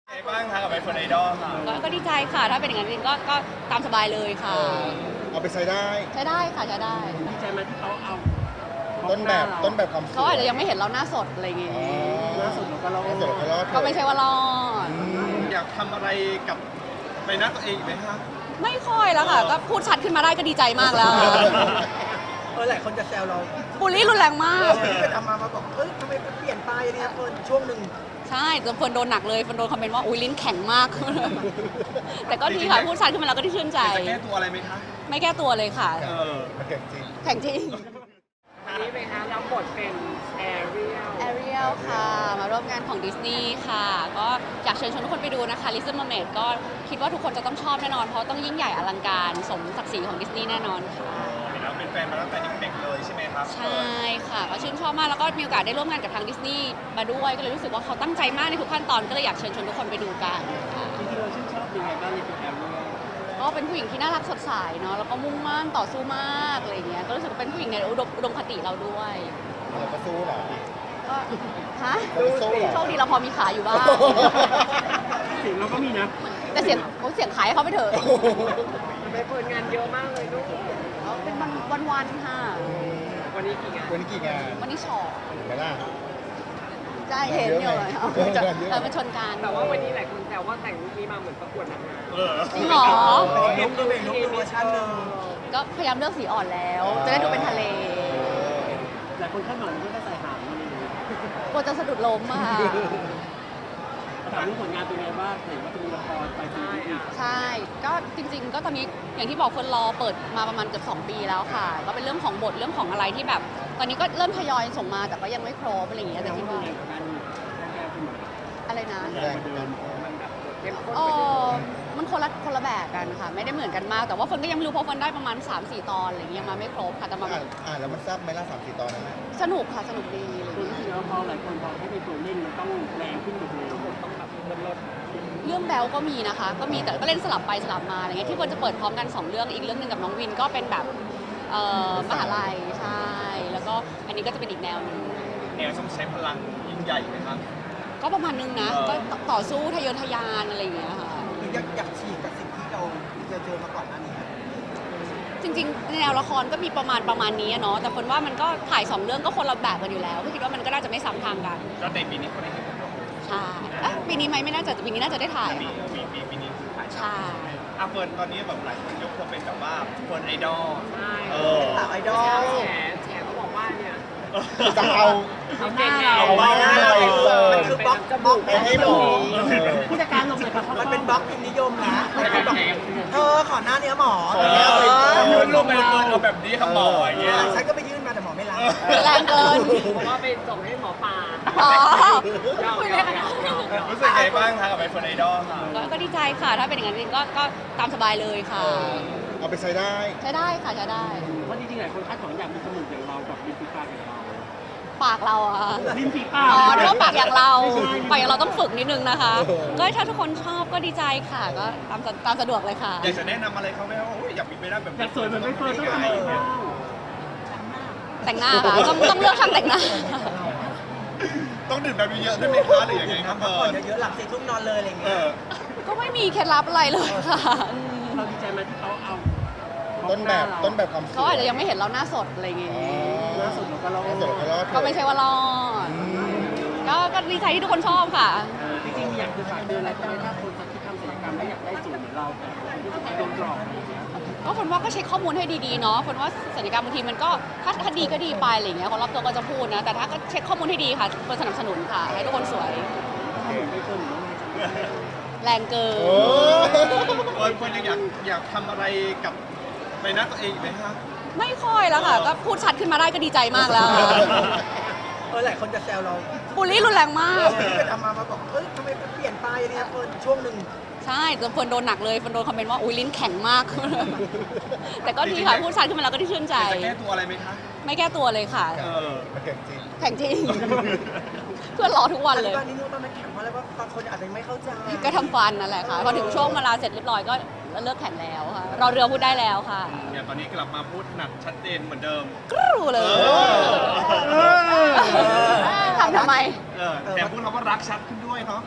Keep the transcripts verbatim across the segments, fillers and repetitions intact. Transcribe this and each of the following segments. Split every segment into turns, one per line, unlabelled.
ไงบ้างคะกับไอโฟนไอดอลค่ะ
ก็ก็ดีใจค่ะถ้าเป็นอย่างนั้นจริงก็ก็ตามสบายเลยค่ะ
เอาไปใช้ได้
ใช้ได้ค่ะใช้ได้
ดีใจไหมที่เขาเอา
ต้นแบบต้นแบบความสวย
เขาอาจจะยังไม่เห็นเราหน้าสดอะไรอย่างงี้
อ๋อ
ล่าสุดเราก็เรา
ล่าสุดเราก็รอด
ก็ไม่ใช่ว่ารอด
อืม
อยากทำอะไรกับใบหน้าตัวเองอีกไหมคะ
ไม่ค่อยแล้วค่ะ ก็พูดชัดขึ้นมาได้ก็ดีใจมากแล้ว
เออหลายคนจะแซวเรา
บูลลี่รุนแรงมาก
ที่ไปทำมามาบอกเอ้ยทำไมเปลี่ยนไปเนี่ยเฟิร์นช่วงหนึ่ง
ใช่จนคนโดนหนักเลยคนโดนคอมเมนต์ว่าอุ้ยลิ้นแข็งมาก แต่ก็ดีค่ะพูดชัดขึ้นมาแล้วก็ได้ชื่นใจ
จะแก้ตัวอะไรไหมคะ
ไม่แก้ตัวเลยค่ะ
เออ
มันเก่งจริง
แข็งจริง
อันนี้เป็นคะรับบทเป็นแอเรียล
แอเรียลค่ะ มาร่วมงานของดิสนีย์ค่ะ ก็อยากเชิญชวนทุกคนไปดูนะคะ Little Mermaid ก็คิดว่าทุกคนจะต้องชอบแน่นอน เพราะต้องยิ่งใหญ่อลังการสมศักดิ์ศรีของดิสนีย์แน่นอนค่ะ
เห็นแล้วเป็นแฟนมาตั้งแต่เด็กๆเลยใช่ไหมครับ
ใช่ค่ะ ก็ชื่นชอบมาก แล้วก็มีโอกาสได้ร่วมงานกับทางดิสนีย์มาด้วย ก็เลยรู้สึกว่าเขาตั้งใจมากในทุกขั้นตอน ก็เลยอยากเชิญชวนทุกคนไปดูกันค่ะ
จริงๆเราชื่นชอบยังไงบ้างในตัวแอมเนี่ย
ก็เป็นผู้หญิงที่น่ารักสดใสเนาะ แล้วก็มุ่งมั่นต่อสู้มากอะไรเงี้ย ก็รู้สึกว่าเป็นผู้หญิงในอุดมอุดมคติเราด้วย
เราก็สู้เหรอ
ก็ฮะ
เราก็สู้เหรอ
โชคดีเราพอมีขาอยู่บ้าง
เสียงเราก็มีนะ
แต่เสียงโอ้เสียงขายให้เขาไปเถอะ
ไปเปิดงานเยอะมากเลยลูก
เอาเป็นวันวันวันๆค่ะ
วันนี้กี่งาน
วันนี้กี่งาน
วันนี้ชอ
เห็นไหมล่ะ
ใช่เห็นอยู่เลย
เยอะไหม
เออมันชนกัน
แต่ว่าวันนี้หลายคนแซวว่าแต่งลุคนี้มาเหมือนประกวดนางงาม
เออ
จริงเหรอ
ลุกก็เป็นลุกเป็นเวอร์ชันหนึ่ง
ก็พยายามเลือกสีอ่อนแล้ว จะได้ดูเป็นทะเล
หลายคนคาดหวังที่จะใส่หางมันเลย
กลัวจะสะดุดล้มอะค่ะ
ถามเรื่องผลงานเป็นไงบ้างเห็นว่าจะมีละครไปซี
ใช่
รีส์
อ่ะ
ใช่ ก็จริง ๆ ก็ตอนนี้อย่างที่บอกคนรอเปิดมาประมาณเกือบสองปีแล้วค่ะ ก็เป็นเรื่องของบทเรื่องของอะไรที่แบบ ตอนนี้ก็เริ่มทยอยส่งมาแต่ก็ยังไม่ครบอะไรอย่างเงี้ยแต่
แต่
คิ
ที่
ด
ดู
ว่า
แรงกว่ากันแรงขึ้นมา
อะไรนะ
แรงเดิน
มันแบบเข้มข้น
เอ
ไปเลย
อมันคนละคนละแบบกันค่ะ ไม่ได้เหมือนกันมาก แต่ว่าเฟิร์นก็ยังไม่รู้เพราะเฟิร์นได้ประมาณ สามสี่ ตอนอะไรอย่างเงี้ยยังมาไม่ครบค่ะแต่มาแบ
อ่าน
บ
อ่านแล้วมันทราบไหมล่ะสามสี่ตอนนั้นน่ะ
สนุกค่ะสนุกดีอะไร
คุณ
อย่าง
รู้
เงี้ย
สึกว่าพอหลายคนบอกให้เป็นตัวเล่นมันต้องแรงขึ้นกว่าเดิม
ต้องแบบเงินลด
เรื่องแบลก็มีนะคะ ก็มีแต่ก็เล่นสลับไปสลับมาอะไรเงี้ยที่เฟิร์นจะเปิดพร้อมกันสองเรื่องอีกเรื่องหนึ่งกับน้องวินก็เป็นแบบเอ่อมหาลัยใช่แล้วก็อันนี้ก็จะเป็นอีกแนวหนึง
แนวต้องใช้พลังยิ่งใหญ่ไหมครับ
ก็ประมาณนึงนะ
เออ
ก็ต่อสู้ทะเยอทะยานอะไรอย่างเงี้ยค่ะ
คืออยากอยากฉีกกับสิ่งที่เราเจอเจอมาก่อนหน้านี้
จริงๆแนวละครก็มีประมาณประมาณนี้อะเนาะแต่คนว่ามันก็ถ่ายสองเรื่องก็คนละแบบกันอยู่แล้วก็คิดว่ามันก็น่าจะไม่ซ้ำทางกัน
ก็ในปีนี้เขาได้เห็นกัน
ใช่เอ๊ะปีนี้ไหมไม่น่าจะปีนี้น่าจะได้ถ่าย
ปี
ค่ะ
ปีปีปีนี้คือถ่าย
ใช่
อ่ะเฟิร์นตอนนี้แบบหลายคนยกเธอเป็นแบบว่าเฟิร์นไอดอล
ใช่
เออ
สาวไอดอล
แฉแฉเขาบอกว่าเนี่ย
จะเอา
เอาหน้าเรา
เอาหน้าเราไปเปิด
มันคือบล็อกบล็อก
ไปให้หมอเออ
ผู้จัดการลงเลยครับมันเป็นบล็อกพิมพ์นิยมนะมันเป็นบล็อกเธอขอหน้าเนื้อหมอ
ขอหน้าไปเปิด
ยืนลงไปเฟิร์นเอาแบบนี้ครับหมออย่างเงี้ย
ฉันก็ไปยื่นมาแต่หมอไม่รับ
แรงเกิน
เพราะว่าไปส่งให้หมอปลา
อ๋อ
ยอมยอมยอมยอมยอม
รู้สึกไงบ้างคะกับไอโฟนไอดอลค่ะ
ก็ก็ดีใจค่ะ ถ้าเป็นอย่างนั้นจริงก็ก็ตามสบายเลยค่ะ
เออเอาไปใช้ได้
ใช้ได้ค่ะใช้ได้
ว่าจริงๆหลายคนคาดหวังอยากมีจมูกอย่างเรากับริมฝีปากอย่างเรา
ปากเราอะ
ริมฝีปาก
อ๋อนึกว่าปากอย่างเรา
ไม่ใช่
ปากอย่างเราต้องฝึกนิดนึงนะคะ
เออ
ก็ถ้าทุกคนชอบก็ดีใจค่ะ ก็ตามสะตามสะดวกเลยค่ะ
อยากจะแนะนำอะไรเขาไหมว่าโอ้ยอยากมีใบหน้าแบบ
อยากสวยเหมือนไม่เฟิร์นต้องทำ
ยั
ยัง ง
ไง
ไง
แต่งหน้าค่ะ ต้องต้องเลือกช่างแต่งหน้า
ต้องดื่มแบบเยอะๆด้วยไหมคะหรือยังไงครับเฟิ
ก่อน
ร์น
เยอะๆหลับสี่ทุ่มนอนเลยอะไรอย่าง
เอ
เงี้ย
อ
ก็ไม่มีเคล็ดลับอะไรเลยค่ะอืม
เราดีใจไหมที่เขาเอา
ต้นแบบต้นแบบความสวย
เขาอาจจะยังไม่เห็นเราหน้าสดอะไรอย่างงี้
อ๋อ
ล่าสุดเราก็เรา
ล่าสุดเราก็รอด
ก็ไม่ใช่ว่ารอด
อืม
ก็ก็ดีใจที่ทุกคนชอบค่ะ
จริงๆอยากจะฝากเตือนอะไรก็ได้ถ้าคนที่ทำศัลยกรรมไม่อยากได้สูตรเหมือนเราแต่คนที่โดนหลอกอะไรอย่างเงี้ย
ก็คนว่าก็เช็คข้อมูลให้ดีๆเนาะคนว่าศัลยกรรมบางทีมันก็ถ้าถ้าดีก็ดีไปอะไรอย่างเงี้ยคนรอบตัวก็จะพูดนะแต่ถ้าก็เช็คข้อมูลให้ดีค่ะคนสนับสนุนค่ะ ให้ทุกคนสวย
ไม่เกินหรือว่า
แรงเกิน
โอ้
เฟิร์นเฟิร์นยังอยากอยากทำอะไรกับใบหน้าตัวเองอีกไหมคะ
ไม่ค่อยแล้วค่ะ ก็พูดชัดขึ้นมาได้ก็ดีใจมากแล้ว
เออหลายคนจะแซวเรา
บูลลี่รุนแรงมาก
ที่ไปทำมามาบอกเอ้ยทำไมเปลี่ยนไปเนี่ยเฟิร์นช่วงหนึ่ง
ใช่จนคนโดนหนักเลยคนโดนคอมเมนต์ว่าอุ้ยลิ้นแข็งมาก แต่ก็ดีค่ะพูดชัดขึ้นมาแล้วก็ได้ชื่นใจ
จะแก้ตัวอะไรไหมคะ
ไม่แก้ตัวเลยค่ะ
เออ
มันเก่งจริง
แข็งจริง เพื่อนรอทุกวันเลย
ตอนนี้นู้นตอนนั้นแข็งเพราะอะไรว่าบางคนอาจจะไม่เข้าใจ
ก็ทำฟันนั่นแหละค่ะ พอถึงช่วงเวลาเสร็จเรียบร้อยก็เลิกแข่งแล้วค่ะ รอเรือพูดได้แล้วค่ะ
อย่างตอนนี้กลับมาพูดหนักชัดเจนเหมือนเดิม
กรูเลย
เออ
ทำทำไม
เออแต่พูดคำว่ารักชัดขึ้นด้วยเนาะ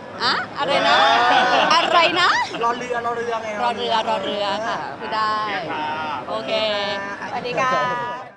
อะอะไรนะ อะไรนะ
รอเรือรอเรือไง
รอเรือรอเรือค่ะพูดได้ โอเค
สวัสดีค่ะ